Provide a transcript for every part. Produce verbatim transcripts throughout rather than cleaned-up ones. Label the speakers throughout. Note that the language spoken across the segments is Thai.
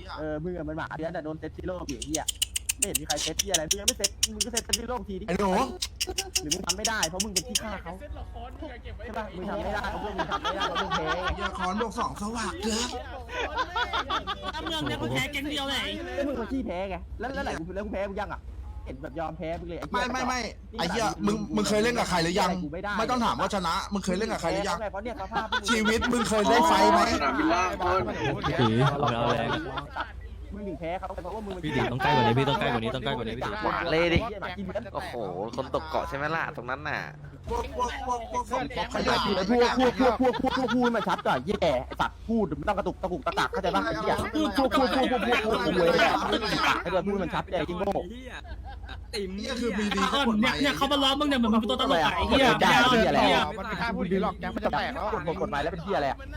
Speaker 1: เออมึงอะมันหมาเดือนแต่โดนเซตซิโร่ผีเหี้ยไม่เห็นมีใครเซตที่อะไรมึงยังไม่เซตมึงก็เซตซิโร่ทีดิ
Speaker 2: ไอ้หนู
Speaker 1: หรือมึงทำไม่ได้เพราะมึงเป็นที่ฆ่าเขาใช่ป่ะมึงทำไม่ได้เพราะมึงทำไม่ได้เพราะมึงแพ้
Speaker 2: ยาคอนบวกสองสว่างเกิน
Speaker 3: ถ้าเมืองเนี่ยกูแพ้แก๊งเดียวเลย
Speaker 1: แล้วมึงมาขี้แพ้ไงแล้วแล้วไหนกูแล้วกูแพ้กูยังอ่ะเห็นแบบยอมแพ้มึงเลย
Speaker 2: ไม่ไม่ไม่ไอ้เหี้ยมึงมึงเคยเล่นกับใครหรือยังไม่ต้องถามว่าชนะมึงเคยเล่นกับใครหรือยัง
Speaker 1: เพราะเนี่ยสภาพ
Speaker 2: ชีวิตมึงเคยได้ไฟไหม
Speaker 4: ตีเอาแรง
Speaker 1: มึงถึงแพ้เขาเพราะว่ามึง
Speaker 4: พี่ตีต้องใกล้กว่านี้พี่ต้องใกล้กว่านี้ต้องใกล้กว่านี้พี่ตี
Speaker 5: หวานเลยดิโอ้โหคนตกเกาะใช่ไหมล่ะตรงนั้นน่ะ
Speaker 2: พวกพวกพวกพวกพวกพวกข
Speaker 1: ไอ้
Speaker 2: ยะ
Speaker 1: พวกพวกพวกพวกพวกพวกพูดมันชัดก่อนแย่ไอ้สัตว์พูดไม่ต้องกระตุกตะกุกตะกักเข้าใจป่ะไอ้เหี้ยพูดพูดพูดพูดพูดพูดพูดพูดเลยไอ้เด็กพูดมันชัดเลยจริงโง่
Speaker 2: นี่คือมีดี
Speaker 3: อ่อนเนี่ยเนี่ยเขามาล้อมมึงเนี่ยเหมือนมึงเป็นตัวตลกไอ้เหี้ย
Speaker 1: ได้
Speaker 3: ยาว
Speaker 1: เหี้ยอะไร
Speaker 3: เหี้ย
Speaker 6: มันไม่กล้าพูดอย่างนี้หรอกแกมันจะแตกแล้ว
Speaker 1: กฎกฎหมายแล้วเป็นเหี้ยอะไรอ่ะ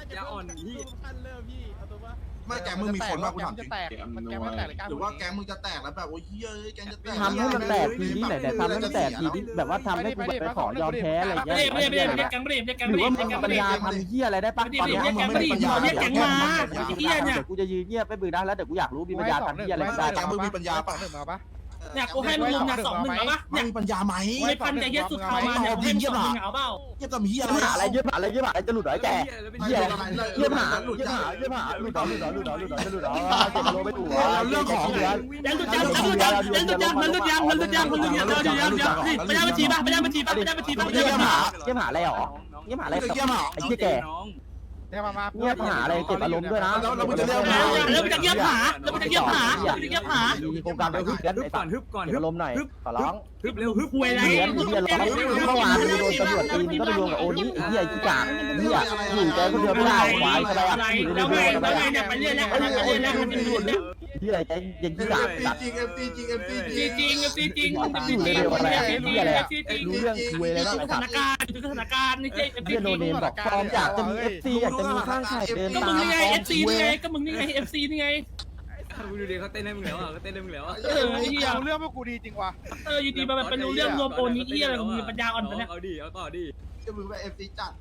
Speaker 2: ไม่แกมึงมีคนว่ากูถามจ
Speaker 6: จะ
Speaker 2: ริง
Speaker 6: แตกมันแกมันแตกเลยกล้า
Speaker 2: หรือว่าแกมึงจะแตกแล้วแบบโอ้ยเฮ้ยแกจะแตก
Speaker 1: ทำให้มันแตกทีนี้ไหนแต่ทำให้มันแตกทีนี้แบบว่าทำให้กูแบบไปขอยอมแพ้อะไรอย่าง
Speaker 3: ไม่
Speaker 1: เงี้ย
Speaker 3: ได้ไม่ได้ไม่ได้เรียกแก๊งไม่ได้เรียกแก๊ง
Speaker 1: ห
Speaker 3: ไม่
Speaker 1: รือ
Speaker 3: ได้
Speaker 1: ว่า
Speaker 3: เรียก
Speaker 1: มึ
Speaker 3: แก๊
Speaker 1: ง
Speaker 3: ง
Speaker 1: ปัญ
Speaker 3: ไม่ได้
Speaker 1: ญาทำเหี้ยอะไรได้ปะ
Speaker 3: ไม่
Speaker 1: ตอน
Speaker 3: ได้
Speaker 1: นี้
Speaker 3: เรียกแก๊งไม่ได้เรียกแก๊งมาเหี้ยเนี่ย
Speaker 1: เดี๋ยวกูจะยืนเงียบไปบึกได้แล้วเดี๋ยวกูอยากรู้มีปัญญาทำเหี้ยอะไรได้
Speaker 2: แกมึงมีปัญญา
Speaker 6: สอ
Speaker 2: ปะ
Speaker 6: งหนึ่งมาปะ
Speaker 3: เนี่ยกูให้มึงลุมเนี่ยสองหนึ่งเอาปะ
Speaker 2: มึ
Speaker 3: เนี่ย
Speaker 2: งมีปัญญาไหม
Speaker 3: ไม่พันใจเย็ดสุดเขามาเนี่ยให้มึงสองหนึ่งเอาเปล่า
Speaker 2: เยี่ยมเหี้ย
Speaker 1: เยี่ยมหา
Speaker 2: อะ
Speaker 1: อะไร ไรเยี่ยมหาอะไรเยี่ยมหาอะไรจะหลุดเหรอไอ้แกเยี่ยมเยี่ยมหา
Speaker 2: หลุด
Speaker 1: เยี่ยม
Speaker 2: ยา
Speaker 1: หาเยี่ยมหาหลุดเหรอหลุดเหรอหลุดเหรอหลุดเหรอหลุดเหรอเจ็บโลไม่ถูก
Speaker 2: เรื่องของ
Speaker 1: เดือน
Speaker 3: ยังหลุดยังยังหลุดยังยังหลุดยังมันหลุดยังมันหลุดยังมันหลุดยังเดี๋ยวเดี๋ยวเดี๋ยวนี่ไปได้บัญชีป่ะไปได้บัญชีป่ะไปได้บัญชีป่ะไปได้
Speaker 1: เยี่ย
Speaker 3: บัญ
Speaker 1: ม
Speaker 3: ชี
Speaker 1: หาเยี่ยมหาอะไรหรอเยี่ยมหาอะไร
Speaker 2: เยี่ยมหา
Speaker 1: ไอ้ที่แก
Speaker 6: เนี่ยมามา
Speaker 1: เยี่ยมหาอะไรเก็บอารมณ์ด้วยนะ
Speaker 3: แล้วมันจะเยี่ยมหาแล้วมันจะเยี่ยมหาแล้วมันจะเยี่ยมหา
Speaker 1: มีโครงการไปฮึบกันไอ้สัตว์เก็บอารมณ์หน่อยขอร้อง
Speaker 3: ฮึบเร็วฮึบหวยอะไร
Speaker 1: เดือนเดือนร้องเมื่อวานมึงโดนตำรวจตีมึงก็ไปรวมกับโอนี้ไอ้เหี้ยขี้กากเหี้ยอยู่ใจคนเดียวไม่ได้ควายทำไมอ่ะอยู่ใน
Speaker 3: แล้ว
Speaker 1: เรื
Speaker 3: ไง
Speaker 1: อทำไม
Speaker 3: แล้วไง
Speaker 1: อ่ะ
Speaker 3: เนี่ยไปเรื่อยแล้วไปเรื่อยแล้วไปเรื่อยแล้ว
Speaker 1: ที่อะไรใจยังขี้กากสัตว์
Speaker 2: จริงเอ็มตีจริงเอ็มตี
Speaker 3: จริงจริงจริงจริง
Speaker 1: อยู่ในเรืออะไรอ่ะที่อะไรอ่ะรู้เรื่องคุยอะไรบ้าง
Speaker 3: ส
Speaker 1: ไอ้สั
Speaker 3: ถา
Speaker 1: ต
Speaker 3: น
Speaker 1: ว์
Speaker 3: การณ์สถานการณ์นี่เจ๊
Speaker 1: เพื่อนโนเนมบอกฟอร์มอยากจะมีเอฟซีอยากจะมีข้างไข่เดิน
Speaker 3: ก็
Speaker 1: ตา
Speaker 3: มึง
Speaker 1: ม
Speaker 3: นี่ไงเอฟซีนี่ไงก็มึงนี่ไงเอฟซีนี่ไง
Speaker 4: มึงดูดิเขาเต้นให้มึงแล้วอ่ะเขาเต้นให้มึงแล้วอ่ะ
Speaker 3: เออเฮีย
Speaker 6: เรื่องพวกกูดีจริงว่ะ
Speaker 3: เอออยู่ดีมาแบบเป็นรู้เรื่องรวมโอนนี้เฮียอะไรมึงปัญญาอ่อนปะเนี่ย
Speaker 4: เอาดิเอาต่อดิ
Speaker 2: จะมึงไปเอ็มตีจัด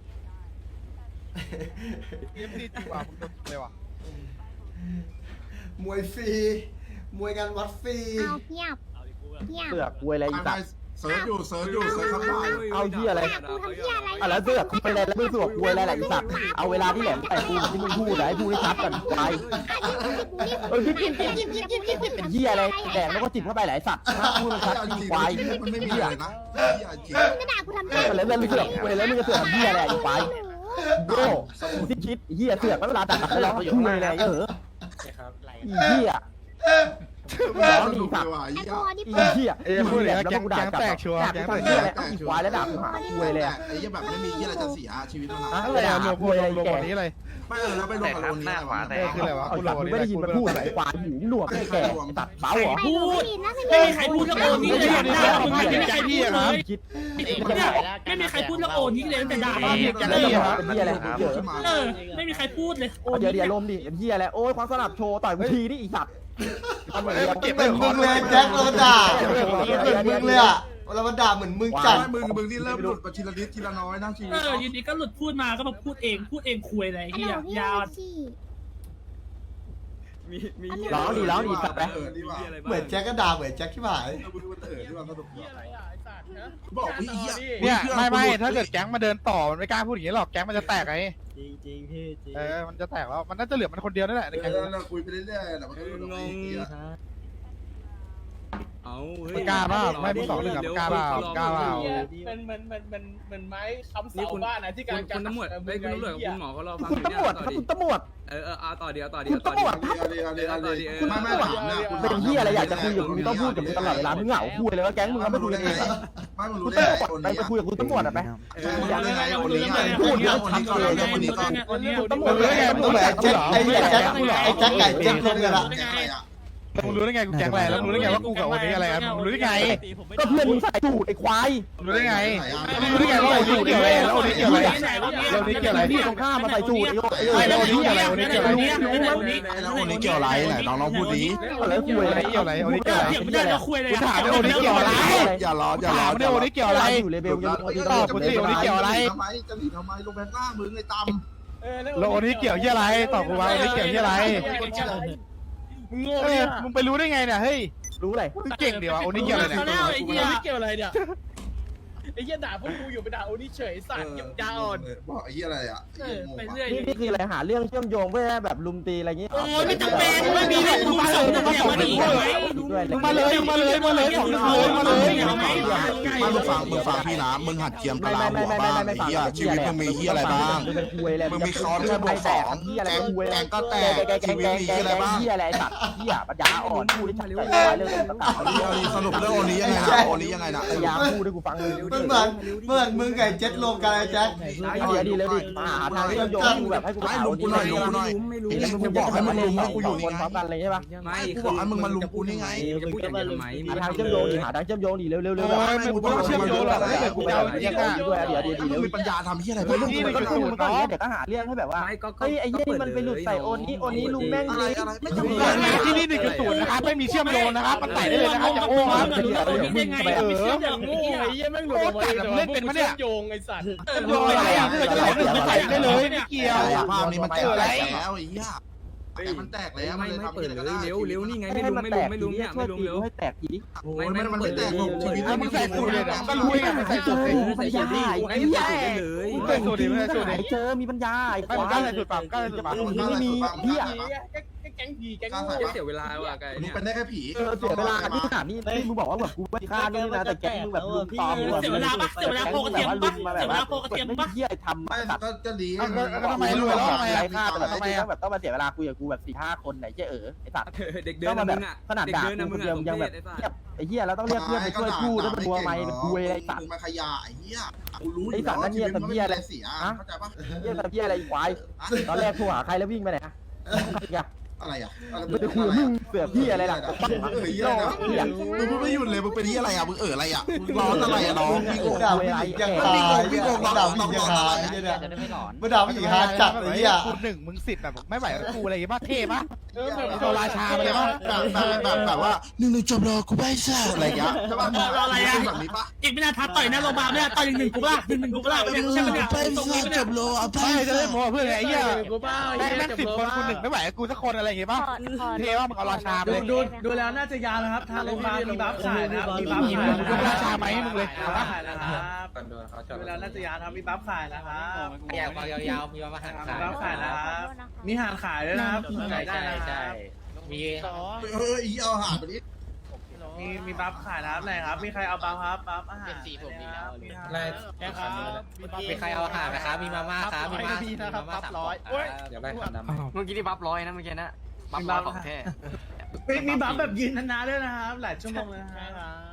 Speaker 6: เอ็มดีจริงว่ะมึงโดนเลยว่ะ
Speaker 7: มวยฟรีมวยกันวัดฟรี
Speaker 8: เอาเงียบเงียบ
Speaker 1: เสือกคุยอะไรอีสัตว์
Speaker 2: เซิร์ชอยู่เซิร์ชอยู่เซิร์ชคำถาม
Speaker 1: เอาที่อะไร
Speaker 8: กูทำเหี้ยอะไร
Speaker 1: อ่ะแล้วเสือกคุยอะไรแล้วมึงเสือกคุยอะไรล่ะอีสัตว์เอาเวลาที่แหลมแต่กูที่มึงพูดให้พูดให้ชัดกันไปเออพี่พี่พี่พี่พี่พี่พี่เป็นเหี้ยอะไรแดงแล้วก็จิบเข้าไปหลายสัตว์พูดมันชัดจริงควาย
Speaker 2: มันไม่มีอะไรนะจริง
Speaker 8: ไม่ด่ากูทำไม
Speaker 1: แล้วแล้วมึงเสือกคุยแล้วมึงจะเสือกเหี้ยอะไรอีควายโง่กูที่คิดเหี้ยเสือกเวลาตัดแล้วเราคุยอะไรเออเหี้ยร้องดีสัตว์
Speaker 2: ว่ะ
Speaker 8: ไอ้
Speaker 2: ยี่
Speaker 8: พอนี่
Speaker 1: อี
Speaker 8: เปิด
Speaker 1: เหี้ย
Speaker 6: เอ้ยพูดเลย
Speaker 1: แล้ว
Speaker 6: แก๊ง
Speaker 1: กูด่า
Speaker 6: แก๊ง
Speaker 1: กลับ
Speaker 6: แตกชัวร์
Speaker 1: ด่า
Speaker 6: แก๊ง
Speaker 1: กู
Speaker 6: แต
Speaker 1: ทำ
Speaker 6: ก
Speaker 1: เหี้ยอะไรอีควายแล้วด่ากูหาคุยเลยอะ
Speaker 2: ไอ้ยี่แบบไม่มีที่อะไรจะเสียชีวิตมัน
Speaker 1: อ่ะ
Speaker 6: อะไรอะรวมพวกรวมกว่านี้เลย
Speaker 2: ไม่เออแล้วไปลงกับโอนนี้
Speaker 6: เออคืออะไรวะ
Speaker 1: เอา
Speaker 6: กู
Speaker 1: สั
Speaker 6: ร
Speaker 1: ต
Speaker 6: อ
Speaker 1: ว์
Speaker 6: นี่
Speaker 1: ไม่ได้ยินมันพูดไอ้ควายหูหนวกไอ้แก่ตัดเบาเหรอ
Speaker 3: พูด
Speaker 8: นะ
Speaker 3: ไม่มีใครพูดเรื่องโอนนี้เลยด่ามึงไม่มีใครพูดเลย
Speaker 1: คิด
Speaker 3: เนี่ยไม่มีใครพูดเรื่องโอนนี้เลยแต่ด่า
Speaker 1: บ้านเด็กแกแล้วจะเป็นเหี้ยอะไรเยอะ
Speaker 3: เออไม่มีใครพูดเลยโอน
Speaker 1: เดี๋ยวเดี๋ยวลมดิเป็นเหี้ยอะไรโอ้ยความสลับโชว์ต่อยกูทีนี่อีสัตว์ทำเหมือน
Speaker 6: เก็บ
Speaker 7: เหมือนมึงเลยแจ็คเราด่าเหมือนมึงเลยอ่ะเรามาด่าเหมือนมึงจัด
Speaker 2: มึงมึงที่เริ่มหลุดไปทีละนิดทีละน้อยนะชีวิ
Speaker 3: เอ
Speaker 2: ต
Speaker 3: ออยู่ดีก็หลุดพูดมาก็มาพูดเองพูดเองคุยอะไรเฮียยาว
Speaker 4: มีมี
Speaker 1: ร้องดีร้องดีสัตว์ไป
Speaker 2: เออดีว่า
Speaker 7: เหมือนแจ็คก็ด่าเหมือนแจ็คที่หาย
Speaker 2: มึงมันเออดีว่าสนุกบอกพี่เหี้ย
Speaker 6: เนี่ยไม่ไม่ถ้าเกิดแก๊งมาเดินต่อมันไม่กล้าพูดอย่างนี้หรอกแก๊งมันจะแตกไง
Speaker 4: จริงจริงพี่จริง
Speaker 6: เออมันจะแตกแล้วมันน่าจะเหลือมันคนเดียวนั่นแหละใน
Speaker 2: เอ
Speaker 6: แก๊ง
Speaker 2: อเราคุยไปเรื่อยๆแต่มันก็หลุดออกไปเยอะ
Speaker 4: เอา
Speaker 6: มันกล้าเปล่าไม่มึงสองหนึ่งอะมันกล้าเปล่ากล้าเปล่า
Speaker 9: มันมันมันมันมันไม้ค้ำ
Speaker 4: นี่
Speaker 9: เสา
Speaker 4: คุณ
Speaker 9: บ้านนะที่การ
Speaker 4: คุณตำรวจไอ้คุณตำรวจกับคุณหมอเขารอฟัง
Speaker 1: คุณตำรวจครับคุณตำรวจ
Speaker 4: เออเออเอาต่อเดียวต่อเดีย
Speaker 1: คุ
Speaker 4: ว
Speaker 1: ณ
Speaker 4: ต่อ
Speaker 1: ตำรวจ
Speaker 2: เอาดีเอาดีเอาดีไม่ไม่ถามนะ
Speaker 1: เป็นเหี้ยอะไรอยากจะคุยกับมึงต้องพูดกับมึงตลอดเวลามึงเหงาคุยเลยว่าแก๊งมึงก็ไม่คุยกันเอง
Speaker 2: ไม่มึง
Speaker 1: คุ
Speaker 2: รู้
Speaker 1: ณ
Speaker 2: ได้
Speaker 1: ตำรวจ
Speaker 2: คน
Speaker 1: ไป
Speaker 2: นี้
Speaker 1: ไปคุยกับคุณตำรวจอ่ะไป
Speaker 2: มึงรู้ได้ไงคนนี้
Speaker 1: พูดเยอะชัดเลย
Speaker 2: คนนี้ก็
Speaker 3: คนนี้
Speaker 1: ตำรว
Speaker 6: มึ
Speaker 1: จ
Speaker 6: งรู้ได้ไง
Speaker 7: มึงเหมือนแจ็คไอ้แจ็คไอ้แจ็คไก่แจ็คลงกันละ
Speaker 6: มึงรู้ได้ไงกูแก๊งอะไรแล้วมึงรู้ได้ไงว่ากูกับวันนี้อะไรอะมึงรู้ได้ไง
Speaker 1: ก็เพื่อนมึงใส่สูตรไอ้ควาย
Speaker 6: มึงรู้ได้ไงมึงรู้ได้ไงว่าโอนี้เกี่ยวอะไรแล้วโอนี้เกี่ยวอะไรแล้วโอนี้เกี่ยวอะไร
Speaker 1: พี่ตรงข้ามมาใส่สูตรไอ้โยไอ้โย
Speaker 6: ไม่
Speaker 1: ไอ้
Speaker 6: แล้ว
Speaker 1: โย
Speaker 6: โอนี้เกี่ยวอะไรโอนี้เกี่ยวอะไร
Speaker 2: แล้วคนนี้เกี่ยวอะไรไหนน้องน้องพูดดี
Speaker 1: อะไรคุยอะไร
Speaker 6: เกี่ยวอะไรโอนี้เกี่ยวอะไร
Speaker 3: เดี๋ยวไม่ได้เราคุยเลย
Speaker 2: อย่ารออย่ารอ
Speaker 6: ถามเนี่ยโอนี้เกี่ยวอะไร
Speaker 1: อยู่เลเวลยัง
Speaker 2: จะหลีทำไมจะหลีทำไมลงแบงค์ล่ามึงไอ้ตำ
Speaker 6: แล้วโอนี้เกี่ยวที่อะไรตอบกูว่าโอนี้เกี่ยวที่อะไร
Speaker 9: มึงโง่
Speaker 6: เอ
Speaker 9: เนี่
Speaker 6: อย มึงไปรู้ได้ไงเนี่ยเฮ้ย
Speaker 1: รู้อะไร
Speaker 6: มึงเก่งดีวะโอ้นี่เกี่ยวอะไรเนี่ย
Speaker 9: ไอ้เหี้ยเกี่ยวอะไรเนี่ยไอ้เหี้ยด่าพวกกูอยู่ไปด่าโอนี่เฉยสัตว์ยังยาอ่อน
Speaker 2: บอกไอ้เหี้ยอะไรอ่ะ
Speaker 9: เออไปเรื่อย
Speaker 1: นี่นี่คืออะไรหาเรื่องเชื่อมโยงเพื่อแบบลุมตีอะไรอย่างงี้
Speaker 3: โอ้ยไม่จำเป็นไม่มีเลยมึงมาส่งมึงมาส่งดิไหม
Speaker 1: ด้วย
Speaker 6: มึงมาเลยมึงมาเลยมาเลยสองเลยมาเลย
Speaker 2: ไม่มึงฟังมึงฟังพี่นะมึงหัดเจียมตะลาหัวบ้างไอ้เหี้ยชีวิตมึงมีเหี้ยอะไรบ้างมึงมีคอนแค่บวกสองแกงแกงก็แตกชีวิตมีเหี้ยอะไรบ้าง
Speaker 1: เหี้ยอะไรสัตว์เหี้ยปัญญาอ่อนพูดได้ชัดเจนเลยเรื่องต่างๆ
Speaker 2: สรุปเรื่องโอนี้ยังไงนะโอนี้ยังไงนะ
Speaker 1: พยายามพูดให้กูฟังเลย
Speaker 7: มันเหมือนเหมือนมึงกับเจ็ดรวมกันไอ้แจ็ค
Speaker 1: เดี๋ยวดีแล้วดิมาหาทางเชื่อมโยงกูแบบให้กู
Speaker 2: ไม่ลุมกูหน่อยลุมกูหน่อย
Speaker 4: ไม่รู้
Speaker 2: ไอ้กูบอกให้มันลุมให้กูอยู่นี่
Speaker 1: คนพร้อมกันเลยใช่ปะ
Speaker 4: ไม่
Speaker 2: กูบอกให้มึงมาลุมกูนี่ไง
Speaker 4: จะพูดอย่างทำไม
Speaker 1: หาทางเชื่อมโยงดิหาทางเชื่อมโยงดิเร็วๆเร็วๆ
Speaker 6: โอ้ยมึงกูต้องเชื่อมโยงหรอกถ้าเกิดกูจะเอาอย่างเงี้ย
Speaker 1: ด้วยเดี๋ยวเดี๋ยว
Speaker 2: มึ
Speaker 1: เดี๋
Speaker 2: ง
Speaker 1: ยว
Speaker 2: มีปัญญาทำเหี้ยอะไร
Speaker 1: เฮ้
Speaker 2: บ้าย ง
Speaker 1: มึงก็พูดมึงก็อย่างเงี้ยเดี๋ยวก็หาเรื่องให้แบบว่า
Speaker 4: ไม่ก็
Speaker 1: เฮ้ยไอ้ยี่นี่มันไปหลุดใส่โอนนี้โอนนี้ลุงแม่ง
Speaker 2: อะไร
Speaker 1: เลย
Speaker 2: อะไรไม่จำเป็น
Speaker 6: ที่นี่หนึ่งจุดศูนย์นะครับไม่มีเชื่อมโยงนะครับมันใส่ได้เลยนะครับอย่าโอ้ครับ
Speaker 3: โอ้ยได้ไง
Speaker 6: เออ
Speaker 9: อย่างโง่ไอ้เหี้ยแม่งหลุดออกมาเองแต่ว่าพวกกูเชื่อมโยงไอ้สัตว์
Speaker 6: โยงอะไรอ่ะถ้าเกิดจะไหลก็ใส่ได้เลยไม่เกี่ยว
Speaker 2: ภาพนี้มันแตกแล้วไอ้เหี้ยแต่มันแตกแล้ว
Speaker 4: ไม่
Speaker 2: มันเลย
Speaker 4: ไม่
Speaker 2: ทำ
Speaker 4: เปิด
Speaker 2: อะไร
Speaker 4: เล
Speaker 2: ก็
Speaker 4: ย
Speaker 2: ได้
Speaker 4: เร็วเร็วนี่ไงไม่
Speaker 1: ให้
Speaker 4: ลุม
Speaker 1: มัน
Speaker 4: ไม่
Speaker 1: แต
Speaker 4: ลุม
Speaker 1: ก
Speaker 4: ไม่
Speaker 1: ที
Speaker 4: ลุม
Speaker 1: นี้
Speaker 4: เนี่ย
Speaker 1: ช่วย
Speaker 4: ไม่ลุม
Speaker 1: ตี
Speaker 4: เร็ว
Speaker 1: กูให้แตกทีนี้
Speaker 2: โอ้ยมันมันไม่แตกหรอกชีวิต
Speaker 6: ถ้ามึงใส่สูตรเลยก็รู้ไงมึงใส่สูตรเลย
Speaker 1: ปัญญาไอ้
Speaker 4: ไอ้
Speaker 1: เหี้ย
Speaker 4: ใส่เลย
Speaker 6: ใส่สูตรดิไม่ใส่สูตรดิ
Speaker 1: เจอมีปัญญาไอ้
Speaker 6: ไม่มึงกล้าใส่สูตรปั๊มกล้าใส่สูตรปั๊ม
Speaker 1: ไม่มีเหี้ย
Speaker 9: แก๊งผีแก๊ง
Speaker 4: เสียเวลาว่ะไก่
Speaker 2: มึง
Speaker 4: เนี่ย
Speaker 2: เป็นได้แค่ผี
Speaker 1: เออเสียเวลาที่ขนาดนี้ที่มึงบอกว่าแบบกูไม่ฆ่านี่นะแต่แกมึงแบบลุมตอมแบบเหี้ยทำ
Speaker 2: ไม่
Speaker 1: ตัด
Speaker 2: ก็จะดี
Speaker 6: ทำไมรวยแล้วทำไม
Speaker 1: ไร
Speaker 6: อ่ะ
Speaker 1: ฆ่าแต่แบบทำไมแบบต้องมาเสียเวลาคุยกับกูแบบสี่ห้าคนไหนเจ๊เออไอ้สัตว์
Speaker 4: เด็กเดิ
Speaker 1: ต้อน งมา
Speaker 4: นะ
Speaker 1: แบ
Speaker 4: มึ
Speaker 1: บ
Speaker 4: งอ่ะ
Speaker 1: ขนาด
Speaker 4: เด็ก
Speaker 1: ด่า
Speaker 4: เดิน
Speaker 1: กู
Speaker 4: นะ
Speaker 1: ค
Speaker 4: มึ
Speaker 1: น
Speaker 4: ง
Speaker 1: เดียว
Speaker 4: อ่ะ
Speaker 1: ยังแบบเทียบไอ้เหี้ยเราต้องเรียกเพื่อนไปช่วยพูดด้วยตัวไม้เป็นคุยอะไรสัตว์
Speaker 2: มึงมาขยะไอ้เหี้ยกูรู้อยู่เสียเข้าใจปะ
Speaker 1: เหี้ยแต่เหี้ยอะไรควายตอนแรกโทรหาใครแล้ววิ่งไปไหนอะอย่า
Speaker 2: อะไรอ่ะ
Speaker 1: ไม่ได้คุยกับมึงเสือพี่อะไรล่ะ
Speaker 2: เออเหี้ยนะมึงพูดไม่หยุดเลยมึงเป็นที่อะไรอ่ะมึงเอออะไรอ่ะมึงร้อนอะไรอ่ะน้องพี่โก
Speaker 7: ด่าผู้หญิงยังหายพี่โกงด่าผู้หญิงยังหายเนี่ย
Speaker 5: จะได้ไม่หลอน
Speaker 7: มาด่าผู้หญิงหาจัดไอ้เหี้ย
Speaker 6: คุณหนึ่งมึงสิบแบบไม่ไหวกูอะไรอย่างเงี้ยเท่ปะโดนราชาไปเลยปะ
Speaker 2: แบบแบบแบบแบบว่าหนึ่งหนึ่งจบรอกูไม่ใช่อะไรอย่างเงี้ยใช่ปะแบบนี้ปะ
Speaker 3: อีกไม่นานทัดต่อยหน้าโรงพยาบาลไม่นานต่อยหนึ่งหนึ่งกูล่ะหนึ่งหนึ่งกูล่ะไม่ใช่ไหมเนี่ย
Speaker 2: ไปซ่าจบรอเอาไป
Speaker 6: ไม่จะได้โม้เพื่อนไอ้เหี้ย
Speaker 9: กูบ้า
Speaker 6: แม่งแม่งสิบคนคุณหนึ่งไม่ไหวกูสักคนอะไรอย่างเงี้ยปะเท่ปะมึงเอาราชาไปเลย
Speaker 9: ดูดูแล้วน่าจะยาวนะครับทางโรงพยาบาลมีบัฟขายนะครับมีบัฟขาย
Speaker 6: มึงเอาราชาไหมให้มึงเลย
Speaker 9: บัฟขายนะครับดูแล้วน่าจะยาวนะครับมีบัฟขายนะครับ
Speaker 5: ยาวๆยาวๆมีมาหัน
Speaker 9: มีบัฟขายนะครับมีหางขายด้วยนะครับขายได้นะครับ
Speaker 5: มี
Speaker 2: เอออีเอาหาไปดิ
Speaker 9: มีมีบัฟขายนะครับไหนครับมีใครเอาบัฟครับบัฟอาหารแค่ครับ
Speaker 5: มีใครเอาอาหารไหมครับมีมาม่าครับมีมามีมาม่าสามร้อยเดี๋ยวได้ขันดำเมื่อกี้ที่บัฟร้อยนะเมื่อกี้นะบัฟร้อยของแท้
Speaker 9: มีมีบัฟแบบยืนนานๆด้วยนะครับหลายชั่วโมงเลยนะครับ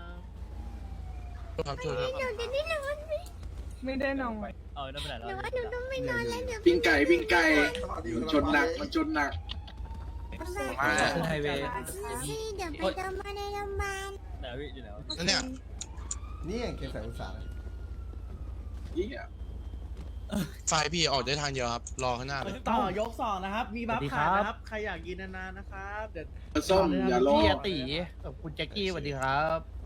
Speaker 2: ครับช่วย
Speaker 8: หนูจะได้นอนไหม
Speaker 9: ไม่ได้นอน
Speaker 8: หนูว่าหนูต้องไม่นอนแล้วเดี๋ยว
Speaker 6: ปิ้งไก่ปิ้งไก่ชนหนักมันชนหนัก
Speaker 4: ไฮเวย์
Speaker 8: เดี๋ยวไปทำมาในโรงพยาบาล
Speaker 2: นั่นเนี่ย
Speaker 7: นี่เกมใส่อุตสาห
Speaker 10: ไฟพี่ออกได้ทางเดียวครับ รอข้างหน้าเลย
Speaker 9: ต่อยกสองนะครับ มีบัฟขายนะครับ ใครอยากกินนานๆนะครับเดี๋ยว
Speaker 6: ส้มอย่ารอ
Speaker 5: พี่ตีกับคุณแจ็คกี้สวัสดีครับ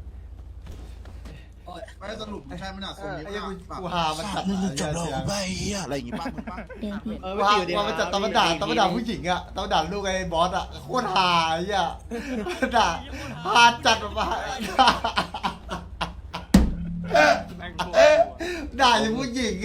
Speaker 2: ไม่สรุปใช่ไหมน่ะ
Speaker 7: เอ
Speaker 2: ส่วน
Speaker 7: อ
Speaker 2: นี้
Speaker 7: ไอ้ยังกูหามันจัด
Speaker 2: หนึ่งหนึ่งจบรอกูไปเฮียอะไรอย่างงี้ป้ามึงป้า
Speaker 7: เออว่าว่ามันจัดตะวันด่าตะวันด่าผู้หญิงอะตะวันด่าลูกไอ้บอสอะโคตรหาไอ้เหี้ยด่าหาจัดแบบว่าด่าอย่างผู้หญิงไง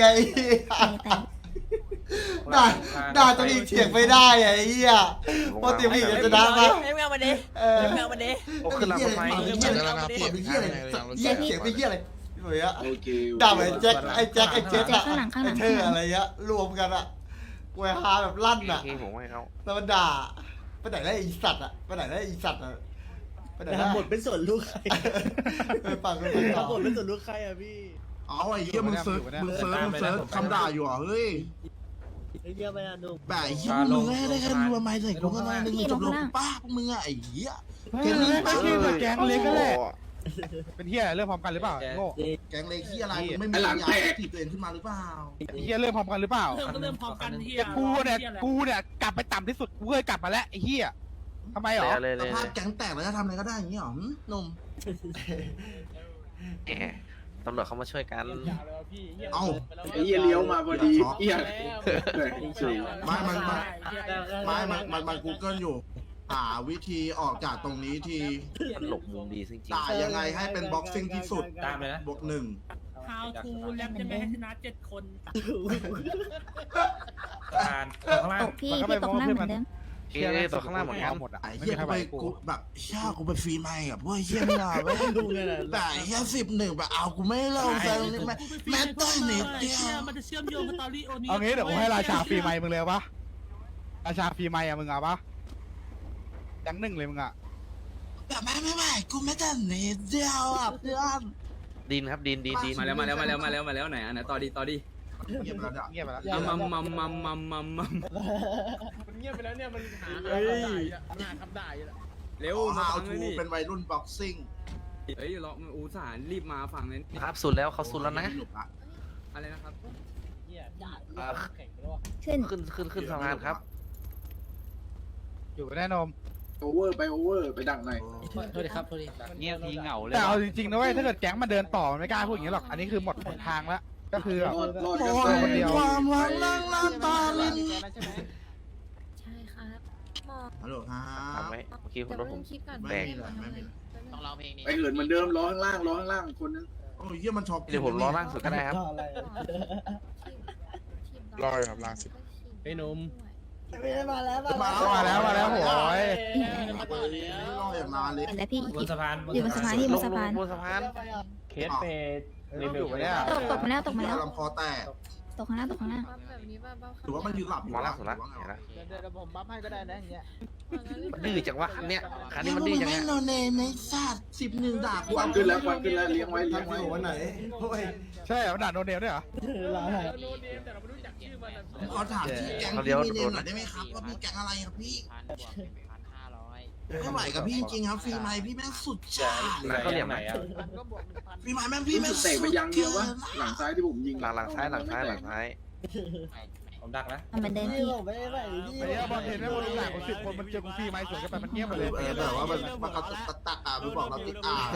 Speaker 7: ด่าด่าตัวเองเถียงไม่ได้ไอ้เหี้ยเพราะเตียงผู้หญิงจะด่าปะ
Speaker 5: ไม่เอามาดิ
Speaker 7: เออ
Speaker 5: ไม่เอามาดิ
Speaker 7: โอ้ขึ้นหลังไม
Speaker 10: เจอแล้วนะพี่
Speaker 7: เป็นเหี้ยอะไร
Speaker 10: หลังรถ
Speaker 7: เหี้ย
Speaker 10: แซ
Speaker 7: เถียงไปเหี้ยอะไรเหมือนอะ
Speaker 6: โอเค
Speaker 7: ด่าเหมือนแจ็คไอ้แจ็คไอ้เจ็คอะไอ้เธออะไรเงี้ยรวมกันอะกูฮาแบบลั่นอะ
Speaker 5: พี่ผมให้เขา
Speaker 7: แล้วมันด่าไปไหนได้อีสัตว์อะไปไหนได้อีสัตว์อะไปไหนได้
Speaker 9: บทเป็นส่วนลูกใคร
Speaker 7: ไปฟังกันไปต่อบ
Speaker 9: ทเป็นส่วนลูกใครอะพี่
Speaker 2: เอาไอ้เหี้ยมึงเซิร์ชมึงเซิร์ชมึงเซิร์ชคำด่าอยู่อ่ะเฮ้ย
Speaker 9: เยอะไปอะดู
Speaker 2: แบบไอ้เหี้ยมึงได้ได้แค่รัวไม้ใส่กูก็ได้หนึ่งหนึ่งจบรอกูป้าพวกมึงอ่ะไอ้เหี้ย
Speaker 6: แกงเล็กไม่ใช่แกงเล็กก็แหละเป็นเฮียเริ่มพร้อมกันหรือเปล่าโง่
Speaker 2: แกงเล็กที่อะไรมึงไม่มียาถีบตัวเองขึ้นมาหรือเปล่า
Speaker 6: เฮียเริ่มพร้อมกันหรือเปล่า
Speaker 3: เริ่มก็เริ่มพร้อมกันที่
Speaker 6: แต่กูเนี่ยกูเนี่ยกลับไปต่ำที่สุดกูเคยกลับมาแล้วไอ้เฮียทำไมหรอ
Speaker 5: เลย
Speaker 2: ส
Speaker 5: เลย
Speaker 2: ภาพแก๊งแตกแล้วจะทำอะไรก็ได้อย่างนี้หรอหนุ่ม
Speaker 5: แหมตำรวจเขามาช่วยกัน
Speaker 2: เอ้า
Speaker 6: ไอ้เฮียเลี้ยวมาพอดีเฮีย
Speaker 2: ไม่มันมันไม่มันมันมันกูเกิลอยู่หาวิธีออกจากตรงนี้ที
Speaker 1: หลบมุมดีจริง
Speaker 2: ด่ายังไงให้เป็นบ็อกซิ่งที่สุด
Speaker 3: ตามเลยนะ
Speaker 2: บวกหนึ่ง
Speaker 3: How to แลบจะไม่ให้ชนะเจ็ดคน
Speaker 6: การ
Speaker 3: ข้างล่าง
Speaker 8: ตกพี่พี่ตกน้ำเหมือนเดิม
Speaker 6: เชี่ยตัวข้างล่างหมดหมดอ่ะ
Speaker 2: ไอ้เหี้ยกูไปกูแบบเชี่ยกูไปฟรีไมค์กับพวกเหี้ยไม่ได้เว้ยแต่ไอ้เหี้ยสิบหนึ่งแบบเอากูไม่เล่าแฟนนี่แม่แม่ต้นนิดเดียว
Speaker 3: มันจะเชื่อมโยงกับตอรี่โอนี้
Speaker 6: เอางี้เดี๋ยวกูให้ราชาฟรีไมค์มึงเลยปะราชาฟรีไมค์อะมึงเอาปะยังหนึ่งเลยมึงอะ
Speaker 2: แต่แม่ไม่ไหวกูไม่ต้นนิดเดียวอ่ะเพื่อน
Speaker 4: ดินครับดินดินดินมาแล้วมาแล้วมาแล้วมาแล้วมาแล้วไหนอันไหนต่อดีต่อดี
Speaker 2: เงียบแล้วเนี่ย
Speaker 6: เงียบไปแล้ว
Speaker 4: มัมมัมมัมมัมมัมมัม
Speaker 9: มันเงียบไปแล้วเนี่ยมันหา
Speaker 4: เฮ้ย
Speaker 9: หาคำด่าอยู่แล้ว
Speaker 4: เร็ว
Speaker 2: ฮา
Speaker 4: มาฟั
Speaker 2: ว
Speaker 4: งเล
Speaker 2: ทู
Speaker 4: ยนี่
Speaker 2: เป็นวัยรุ่นบ็อกซิ่ง
Speaker 4: เฮ้ยรออุตส่าห์รีบมาฟังเลย
Speaker 5: ครับสุดแล้วเขาสุดแล้วนะ
Speaker 4: อะไรนะครับ
Speaker 8: ขึ้น
Speaker 5: ขึ้นขึ้นขึ้นสะพานครับ
Speaker 6: อยู่แน่นม
Speaker 9: โอเวอร์ไปโอเวอร์ไปดักหน่อย
Speaker 3: โทษดีครับโทษดี
Speaker 4: เงียบทีเหงาเลย
Speaker 6: แต่เอาจริงๆนะเว้ยถ้าเกิดแก๊งมันเดินต่อมันไม่กล้าพูดอย่างนี้หรอกอันนี้คือหมดหนทางแล้วก็คือแบบ
Speaker 9: รอด
Speaker 2: ม
Speaker 9: กัน
Speaker 2: อง
Speaker 9: ไป
Speaker 6: คนเดียว
Speaker 2: ความหวังนั่งน้ำตาลิน
Speaker 8: ใช่ครับหมอ
Speaker 2: ฮัลโหลครั
Speaker 5: ทำ
Speaker 2: บ
Speaker 5: ไว้เมื่อกี้
Speaker 8: เดี๋ยว
Speaker 5: รถผม
Speaker 8: คลิปก่อน
Speaker 2: ไม่มีเลยไม่มีเลย
Speaker 5: ต้องร้องเพลงนี้
Speaker 9: ไปเหินเหมือนเดิมรอข้างล่างรอข้างล่างคนนึง
Speaker 2: โอ้ยเหี้ยมันชอบ
Speaker 5: เดี๋ยวผมรอล่างสุดก็ได้ครับ
Speaker 8: รอครับล่างสุด
Speaker 3: ไอ้หนุ่ม
Speaker 2: มาแล้ว
Speaker 6: มาแล้วมาแล้วโหย
Speaker 2: รออย่างนานเลย
Speaker 8: แล้วพี่
Speaker 3: บนสะพาน
Speaker 8: อยู่บนสะพานที่บนสะพาน
Speaker 5: บนสะพาน
Speaker 2: เคสเปด
Speaker 6: อยู่เนี่ย
Speaker 8: ตกตกมาแล้วตกมาแล้ว
Speaker 2: ลำคอแตก
Speaker 8: ตกข้างหน้าตกข้างหน้า
Speaker 2: หรือว่ามันยืนหลับอยู่
Speaker 5: มาล่างสุดละ
Speaker 2: หรือว่าไง
Speaker 5: เห็น
Speaker 2: วะ
Speaker 5: ละ
Speaker 9: เดี๋ยวผมบัฟให้ก็ได้นะอย่างเงี้ย
Speaker 5: มันดื้อจังวะคันเนี้ยคันนี้มันดื้อจัง
Speaker 2: ไม่
Speaker 5: ไง
Speaker 2: โนเนมในศาสตร์สิบหนึ่งดาบ
Speaker 9: ควันขึ้นแล้วควันขึ้นแล้วเลี้ยงไว้เลี้ยง
Speaker 7: ทำ
Speaker 9: ไว้
Speaker 7: อยู่วันไหนโอ้ย
Speaker 6: ใช่เหรอด่าโดนเดลด้วยเหรอ
Speaker 9: แต่เราไม่รู้จักชื่อมัน
Speaker 2: ผมขอถามที่แก๊งพี่มีเนมหน่อยได้ไหมครับว่าพี่แก๊งอะไรครับพี่ไม่ไหวกับพี่จริงๆครับฟรีไมค์พี่แม่งสุดจ้า
Speaker 5: แล้วก็เหลี่ยมไหน
Speaker 9: ก็บวกหนึ่งพัน
Speaker 2: ฟรีไมค์แม่งพี่แม่ง
Speaker 9: เตะไปยังเดียววะหลังซ้ายที่ผมยิง
Speaker 5: หลังหลังซ้ายหลังซ้ายหลังซ้าย
Speaker 3: ผมดักนะ
Speaker 8: ทำเหมือนเดิมพี่
Speaker 6: ไอ้เหี้ยบอลเห็นไหมบอลหลังคนสิบคนมันเจอกูฟรีไมค์สวนกันไปมันเงียบไปเลย
Speaker 2: เออแต่ว่ามันมันก็ตัดตัดอ่ะมันบอกเราติดอ่า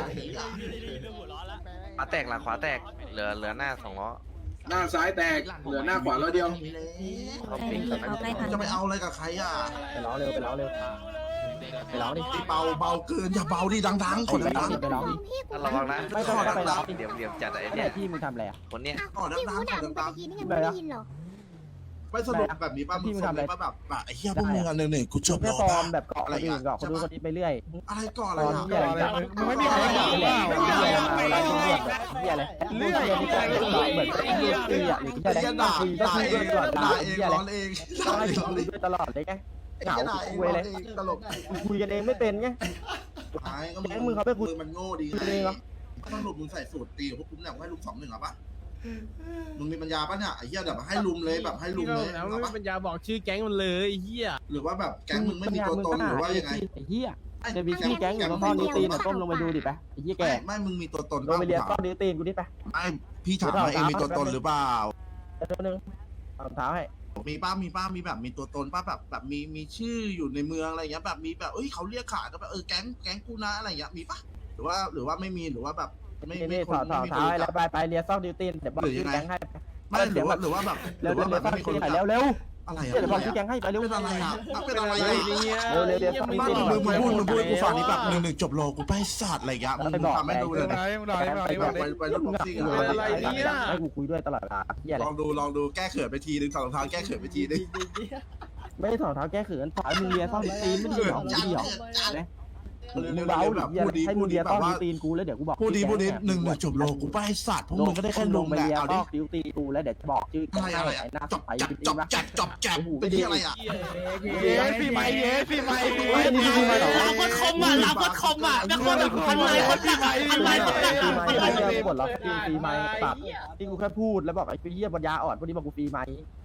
Speaker 5: ขวาแตกหลังขวาแตกเหลือเหลือหน้าสองล้อ
Speaker 9: หน้าซ้ายแตกเหลือหน้าขวาแล้วเดียว
Speaker 5: เขา
Speaker 8: ใกล้
Speaker 5: ปิ้ง
Speaker 8: พี่เขาใกล้พัน
Speaker 2: จะไปเอาอะไรกับใครอ่ะ
Speaker 1: ไปร้องเร็วไปร้องเร็วไปร้องดิ
Speaker 2: เบาเบาเกินอย่าเบาดิดังๆคน
Speaker 1: ไปร้อ
Speaker 2: ดั
Speaker 1: ง
Speaker 2: ง
Speaker 1: ดิไปร้องดิ
Speaker 5: ถ้าระวังนะ
Speaker 1: ไม่ต้องไปร้องดิ
Speaker 5: เดี๋ยวเดี๋ยวจัดไอ้
Speaker 1: เนี่
Speaker 5: เนี่ย ย
Speaker 1: พี่มึงทำอะไรอ่ะ
Speaker 5: คนเนี้ย
Speaker 2: ๆก่อน
Speaker 8: พี่
Speaker 2: ดั
Speaker 8: พู
Speaker 2: ง
Speaker 8: ด
Speaker 2: ๆก่
Speaker 8: ดั
Speaker 2: อง น
Speaker 8: ไป
Speaker 2: ดัง
Speaker 8: เมื่อกี้นี่ยังไม่ได้ยินหรอ
Speaker 2: ๆไม่สนุกแบบนี้ป่ะมึงสนุกป่ะแบบแบบไอ้เหี้ยพวกมึงอันหนึ่งหนึ่งกูจบ
Speaker 1: แค่
Speaker 2: แล้ว
Speaker 1: ฟอร์
Speaker 2: ป่ะ
Speaker 1: มแบบเกาะคนอื่นเกาะคนนู้นคนนี้ไปเรื่อย
Speaker 2: อะไรก่อนอะไร
Speaker 1: ฟอร์ม
Speaker 2: อ่ะ
Speaker 1: เหี้ยอะไร
Speaker 6: มึงไม่มีใครด่า
Speaker 1: เหี้ย
Speaker 6: เป
Speaker 1: อะไร
Speaker 6: ล่า
Speaker 1: เหี้ยอะไรเหี้ยอะไรเหี้ยอะไรเรื่อยนี่ก็เหมือนไอ้เหี้ยตีอ่ะหรือเหี้ยอะไร
Speaker 2: ไอ้ด่า
Speaker 1: คุยก็
Speaker 2: ด่า
Speaker 1: คุย
Speaker 2: เอ
Speaker 1: ด้วย
Speaker 2: ง
Speaker 1: ตลอด
Speaker 2: ด่า
Speaker 1: ด่า
Speaker 2: เอง
Speaker 1: เหี้ยอะไร
Speaker 2: ร้อนเอง
Speaker 1: ต้องให้
Speaker 2: ร้อน
Speaker 1: คุ
Speaker 2: เอย ง
Speaker 1: ด้วยตลอดเลยไงเหงา
Speaker 2: ด่าเอง
Speaker 1: คุย
Speaker 2: ร้อ
Speaker 1: เล
Speaker 2: น
Speaker 1: ย
Speaker 2: เองตลก
Speaker 1: คุยกันเองไม่เป็นไง
Speaker 2: ไอ้ก็
Speaker 1: แก๊งมึงเขาไปคุย
Speaker 2: มันโง่ดี
Speaker 1: คุยเองเหรอ
Speaker 2: สรุปมึงใส่สูตรตีพวกกูเนี่ยให้ลุมสองหนึ่งเหรอปะมึงมีปัญญาปะเนี่ยไอ้เหี้ยแบบให้ลุมเลยแบบให้ลุมเลย
Speaker 9: แล้ว
Speaker 2: เหรอ
Speaker 9: ไม่
Speaker 2: ปะ
Speaker 9: ปัญญาบอกชื่อแก๊งมันเลยไอ้เหี้ย
Speaker 2: หรือว่าแบบแก๊งมึงไม่มีตัวตนหรือว่ายังไง
Speaker 1: ไอ้เหี้ยจะมีชื่อแก๊งอยู่ตรงข้อนิ้วตีนน่ะก้มลงไปดูดิไปไอ้เหี้ยแก
Speaker 2: ไม่ไม่มึงมีตัวตน
Speaker 1: ลงไปเรียนข้อนิ้วตีนกูดิไป
Speaker 2: ไม่พี่ถามว่าเองมีตัวตนหรือเปล่า
Speaker 1: เดี๋ยวนึงเอารองเท้าให้
Speaker 2: มีป้ามีป้ามีแบบมีตัวตนป้าแบบแบบมีมีชื่ออยู่ในเมืองอะไรเงี้ยแบบมีแบบเอ้ยเขาเรียกขานกันแบบเออแก๊งแก๊งกูนะอะไรเงี้ยมีปะหรือว่าหรือว่าไม่มีหรือว่าแบบไม่
Speaker 1: นี่
Speaker 2: ไม่
Speaker 1: นี่
Speaker 2: ค
Speaker 1: ถ
Speaker 2: น
Speaker 1: อดถอด
Speaker 2: ไม่มี
Speaker 1: เท้า
Speaker 2: ตัว
Speaker 1: ให้
Speaker 2: จั
Speaker 1: แล้
Speaker 2: บ
Speaker 1: วไปไปเรียนซอกนิ้วตีนเดี๋ยวบอกชื่อแก๊งให้
Speaker 2: ไม่หรือว่าหรือว่าแบบห
Speaker 1: เร็
Speaker 2: รื
Speaker 1: ว
Speaker 2: อ
Speaker 1: เร็
Speaker 2: ว่าว แบบ
Speaker 1: เร็ว
Speaker 2: ไม่มีคน
Speaker 1: ซอก
Speaker 2: รู้
Speaker 1: นิ้ว
Speaker 2: จัก
Speaker 1: หน่อยเร็ว
Speaker 2: อะไร
Speaker 1: เดี๋ยวบอกชื่อ
Speaker 2: อะ
Speaker 1: แก๊งให้ไปเร็ว
Speaker 2: เป็นอะไรอ่ะเป็นอะไร
Speaker 1: เร็
Speaker 2: อ่ะ
Speaker 1: วเร็วเร็วซอกนิ้ว
Speaker 2: ไม่
Speaker 1: ตีน
Speaker 2: มึงมึงพูดมึงพูดกูฟังนี่แบบหนึ่งหนึ่งจบโลกูไปศาสตร์อะไรเงี้ยมึงทำให้ดู
Speaker 6: มึ
Speaker 2: เลย
Speaker 6: งไหน
Speaker 2: นะ
Speaker 6: มึงไหนมึงไหน
Speaker 2: ไป
Speaker 6: มึง
Speaker 2: ไป
Speaker 6: ไหน
Speaker 2: ไปเรื่องบ็อกซิ่ง
Speaker 1: อะไรเนี่ยให้กูคุยด้วยตลอดเวลาเหี้ยอะไร
Speaker 2: ลองดูลองดูแก้เขินไปทีนึงถอดรองเท้าแก้เขินไปทีนึง
Speaker 1: ไม่ได้ถอดเท้าแก้เขินถอยมึงเรียนซอกนิ้วตีนไม่ดีหรอไม่ดีหรอมึงเบาดิให้มึงเรียนซอกนิ้วตีนกูแล้วเดี๋ยวกูบอก
Speaker 2: พูดดีพูดดีหนึ่งหนึ่งจบโลกูไปศาสตร์พวกมึงก็ได้แค่ลง
Speaker 1: ไป
Speaker 2: แหละ
Speaker 1: เรียน
Speaker 2: เอา
Speaker 1: ซ
Speaker 2: ดิ
Speaker 1: อกนิ้วตีนกูแล้วเดี๋ยวจะบอกชื่อ
Speaker 2: อะไรอะไร
Speaker 1: ไอ้หน้า
Speaker 2: จบ
Speaker 1: ไป
Speaker 2: จับ
Speaker 1: จ
Speaker 2: จ
Speaker 1: ริง
Speaker 2: บ
Speaker 1: ปะ
Speaker 2: จับจบจับเป็นที่อะไรอ่ะ
Speaker 6: เย้ฟรีไมค์เย้ฟรีไมค์ฟรีไมค์
Speaker 3: รับกดคอมอ่ะรับกดคอมอ่ะแล้วคนแบบพันไม้คนดักพันไม้คนดัก
Speaker 1: ฟรีไม
Speaker 3: พัน
Speaker 1: ค์
Speaker 3: ไม้
Speaker 1: ไอ้เนี่ยกดล็อกฟรีฟรีไมค์ตัดที่กูแค่พูดแล้วบอกไอ้เหี้ยปัญญาอ่อนพวกนี้บอกกูฟรีไมค์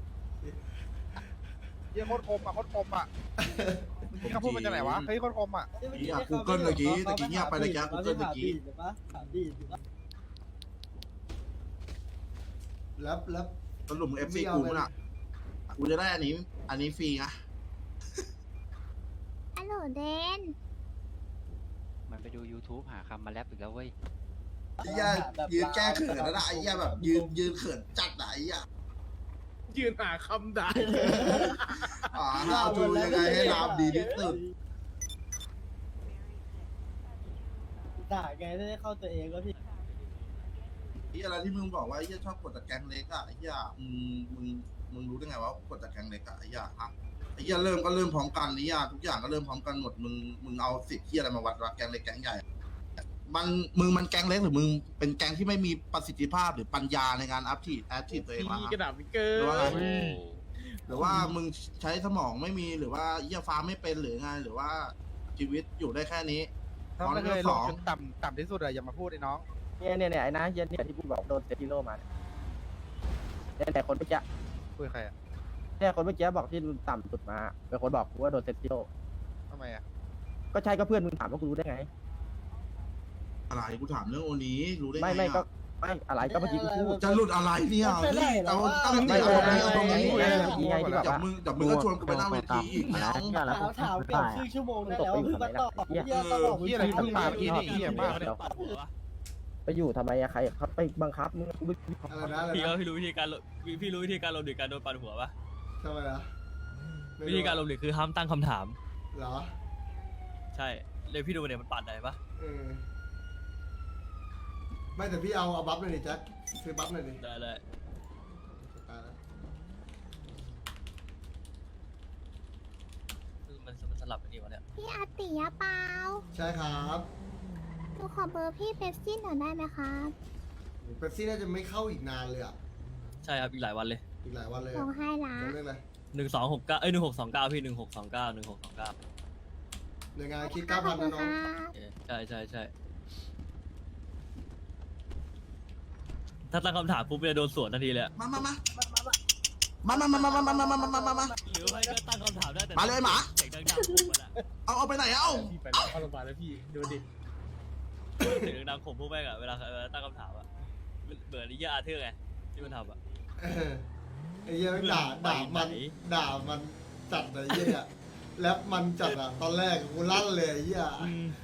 Speaker 6: เย้โคตรคมอ่ะโคตรคมอ่ะมึงเขาพูดมาจากไหนวะเฮ้ยโคตรคมอ่ะ
Speaker 2: นี่อ่ะกูเกิลเมื่อกี้ตะกี้เงียบไปตะกี้กูเกิลเมื่อกี้
Speaker 7: แล้วแล้ว
Speaker 2: สรุปมึงเอฟซีกูมั้งอ่ะกูจะได้อันนี้อันนี้ฟรีนะ
Speaker 8: ฮัลโหลเดน
Speaker 4: มันไปดู YouTube หาคำมาแรปอีกแล้วเว้ย
Speaker 2: ไอ้เหี้ยยืนแก้เขินแล้วนะไอ้เหี้ยแบบยืนยืนเขินจัดอะไอ้เหี้ย
Speaker 9: ยืนหาคำด่า
Speaker 2: อ่าเอาดูยังไงให้รามดีที่สุด
Speaker 9: ด่าไงได้เข้าตัวเองก็พี่
Speaker 2: ไอ้อะไรที่มึงบอกว่าไอ้เหี้ยชอบกดจากแก๊งเล็กอะไอ้เหี้ยมึงมึงมึงรู้ได้ไงว่ากดจากแก๊งเล็กอะไอ้เหี้ยฮะไอ้เหี้ยเริ่มก็เริ่มพร้อมกันไอ้เหี้ยทุกอย่างก็เริ่มพร้อมกันหมดมึงมึงเอาสิทธิ์ที่อะไรมาวัดว่าแก๊งเล็กแก๊งใหญ่มันมึงมันแก๊งเล็กหรือมึงเป็นแก๊งที่ไม่มีประสิทธิภาพหรือปัญญาในการอัพทีแอคทีฟตัวเองวะ
Speaker 9: กระดาษวิกเกอ
Speaker 2: ห
Speaker 9: ร์
Speaker 2: รือว่าไงหรือว่ามึงใช้สมองไม่มีหรือว่าเหี้ยฟ้าไม่เป็นหรือไงหรือว่าชีวิตอยู่ได้แค่นี้
Speaker 6: ถ้าไม่เคยลงจนต่ำต่ำที่สุดอะอย่ามาพูดไอ้น้อง
Speaker 1: เนี่ยเนี่ยเนี่ยไอ้นะเหี้ยเนี่ยที่กูบอกโดนเซติโร่มาเนี่ยแต่คนเมื่อกี้
Speaker 6: คุยใครอะ
Speaker 1: เนี่ยคนเมื่อกี้บอกที่ต่ำสุดมาเป็นคนบอกกูว่าโดนเซติโร่
Speaker 6: ทำไมอะ
Speaker 1: ก็ใช่ก็เพื่อนมึงถามว่ากูรู้ได้ไง
Speaker 2: อะไรกูถามเรื่องโอนี้รู้ได้ไง
Speaker 1: ไม่ไม่ก็
Speaker 2: อะ
Speaker 1: ไม่อะไรก็เมื่อกี้กูพูด
Speaker 2: จะหลุดอะไรเนี่ยนี่เอาตั้ง
Speaker 1: ไม่
Speaker 2: แต่
Speaker 1: ไม่
Speaker 2: เอา
Speaker 1: ไม่
Speaker 2: เอาตรงนี้
Speaker 1: ไม่ไม่ไม่ไงที่แบบ
Speaker 2: จับ
Speaker 1: ว่า
Speaker 2: มึงจับมึงก็ชวนกูไปหน้าเวทีอีกไม่เอา
Speaker 9: ถามถามเกือบครึ่งชั่วโมงได้แล้วเพิ่งมาตอบเฮียก็บอก
Speaker 6: เฮียอะไรเพิ่งมาเมื่อกี้นี่เฮียมากเลย
Speaker 1: ไปอยู่ทำไมอะใครเขาไปบังคับมึงกูไม่
Speaker 7: อะไรนะอะไร
Speaker 3: พี่ก็
Speaker 7: นะ
Speaker 3: พี่รู้วิธีการพี่รู้วิธีการลมหรือการโดนปันหัวปะ
Speaker 7: ทำไมนะไม่
Speaker 3: วิธีการลมหรือคือห้ามตั้งคำถาม
Speaker 7: เหรอ
Speaker 3: ใช่เลยพี่ดูเนี่ยมันปัดได้ปะ
Speaker 7: เออไม่แต่พี่เอาเอาบัฟหน่อยดิแจ็คซื้อบัฟหน่อยดิ
Speaker 3: ได้เลย
Speaker 7: ตายแล้ว
Speaker 3: มันมันสลับกันดีวะเนี่ย
Speaker 8: พี่อาติยะเปล่า
Speaker 7: ใช่ครับ
Speaker 8: หนูขอเบอร์พี่เป๊ปซี่หน่อยได้ไหมครับ
Speaker 7: เป๊ปซี่น่าจะไม่เข้าอีกนานเลยอ่ะ
Speaker 3: ใช่ครับอีกหลายวันเลย
Speaker 7: อีกหลายวันเลย
Speaker 8: ส่งให้ละ
Speaker 7: เรื่องอะไร
Speaker 3: หนึ่งสองหกเก้าเอ้ยหนึ่งหกสองเก้าพี่หนึ่งหกสองเก้าหนึ่งหกสองเก้า
Speaker 7: หน่วยงานคิดเก้าพันนะน้อง
Speaker 3: ใช่ใช่ใช่ถ้าตั้งคำถามปุ๊บจะโดนสวนทันทีเลย
Speaker 2: มามามามามามามามามามามามามามา
Speaker 3: หรือไม่ก็ตั้งคำถามได้แต่
Speaker 2: มาเลยหมา
Speaker 3: เสียงดังๆผมมันอะ
Speaker 2: เอาเอาไปไหนเอา
Speaker 9: พี่ไปแล้วเข้าโรงพยาบาลแล้วพี่ดูดิ
Speaker 3: เสียงดังๆผมพวกแม่งอะเวลาเวลาตั้งคำถามอะเบื่อนิยายอาเธอร์ไงที่มันทำอะ
Speaker 7: เออไอ้เหี้ยแม่งด่าด่ามันด่ามันจัดเลยไอ้เหี้ยแรปมันจัดอ่ะตอนแรกกูลั่นเลยไอ้เหี้ย